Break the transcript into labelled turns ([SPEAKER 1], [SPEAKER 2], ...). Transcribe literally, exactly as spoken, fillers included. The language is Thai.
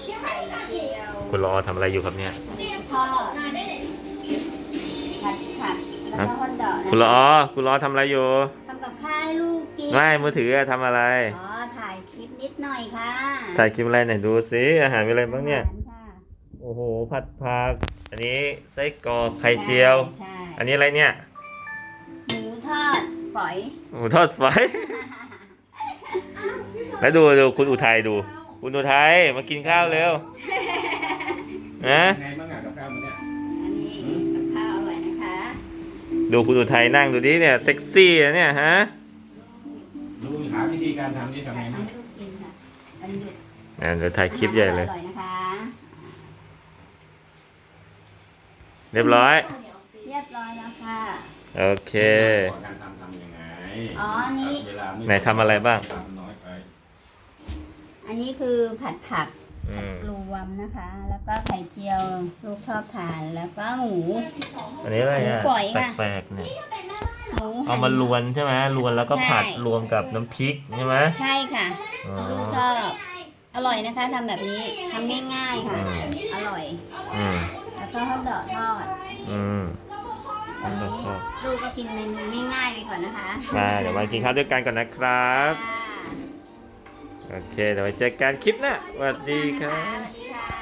[SPEAKER 1] ไข่เจียว
[SPEAKER 2] คุณรอทำอะไรอยู่ครับเนี่ย
[SPEAKER 1] ทอดผัดผัดแล้วก็ฮอทดอกนะ
[SPEAKER 2] คุณรอคุณรอทำอะไรอยู่
[SPEAKER 1] ทำกับข้าวให้ลูกกิน
[SPEAKER 2] ไม่มือถืออะทำอะไร
[SPEAKER 1] อ๋อถ่ายคลิปนิดหน่อยค่ะ
[SPEAKER 2] ถ่ายคลิปอะไรไหนดูสิอาหารมีอะไรบ้างเนี่ย
[SPEAKER 1] อหรค่ะ
[SPEAKER 2] โอ้โหผัดผักอันนี้ไส้กรอกไข่เจียว
[SPEAKER 1] ใช่
[SPEAKER 2] อันนี้อะไรเนี่ย
[SPEAKER 1] หมูทอดฝอย
[SPEAKER 2] หมูทอดไฟ แล้วดูดูคุณอุทัยดู คุณอุทัยมากินข้าวเร็วนะ
[SPEAKER 3] ไงบ้างอ่ะกับข้าวมันเนี่ย
[SPEAKER 1] อันนี้กับข้าวอร่อยนะคะ
[SPEAKER 2] ดูคุณอุทัยนั่งดูดิเนี่ยเซ็กซี่นะเนี่ยฮะ
[SPEAKER 3] ดูหาวิธีการทำที่ทำไง
[SPEAKER 1] ให้
[SPEAKER 3] บ้าง
[SPEAKER 1] ลูกกินค่ะวันหยุด
[SPEAKER 2] อ่าเดี๋ยวถ่ายคลิปใหญ่เลย
[SPEAKER 1] อร่อยนะคะ
[SPEAKER 2] เรียบร้อย
[SPEAKER 1] เรียบร้อยแล้วค่ะ
[SPEAKER 2] โอเค
[SPEAKER 3] การทำทำยังไง
[SPEAKER 1] อ๋ออันนี้
[SPEAKER 3] เวลาม่
[SPEAKER 2] ไหนทำอะไรบ้าง
[SPEAKER 3] ทำน้อยไป
[SPEAKER 1] อันนี้คือผัดผัก
[SPEAKER 2] อืม
[SPEAKER 1] รวมนะคะ แล้วก็ไข่เจียวลูกชอบทาน แล้วก็หมู
[SPEAKER 2] อันนี้อะไรอ่ะ
[SPEAKER 1] หมูฝอยค่ะ
[SPEAKER 2] แปลกๆเนี่ย
[SPEAKER 1] หมู
[SPEAKER 2] เอามาลวนใช่ไหมลวนแล้วก็ผัดรวมกับน้ำพริกใช่ไหม
[SPEAKER 1] ใช่ค่ะ
[SPEAKER 2] อ๋อ
[SPEAKER 1] ลูกชอบ อร่อยนะคะทำแบบนี้ทำง่ายๆค่ะ
[SPEAKER 2] อืม
[SPEAKER 1] อร่อย
[SPEAKER 2] อืม
[SPEAKER 1] แล้วก็ฮอทดอกทอด
[SPEAKER 2] อืม
[SPEAKER 1] อันนี้ลูกก็กินเมนูง่ายๆไปก่อนนะคะ
[SPEAKER 2] มาเดี๋ยวมากินข้าวด้วยกันก่อนนะครับ
[SPEAKER 1] ค่ะ
[SPEAKER 2] โอเคเดี๋ยวไว้เจอกันคลิปหน้าสวัสดีครั
[SPEAKER 1] ส
[SPEAKER 2] บ
[SPEAKER 1] วัสดีค่ะ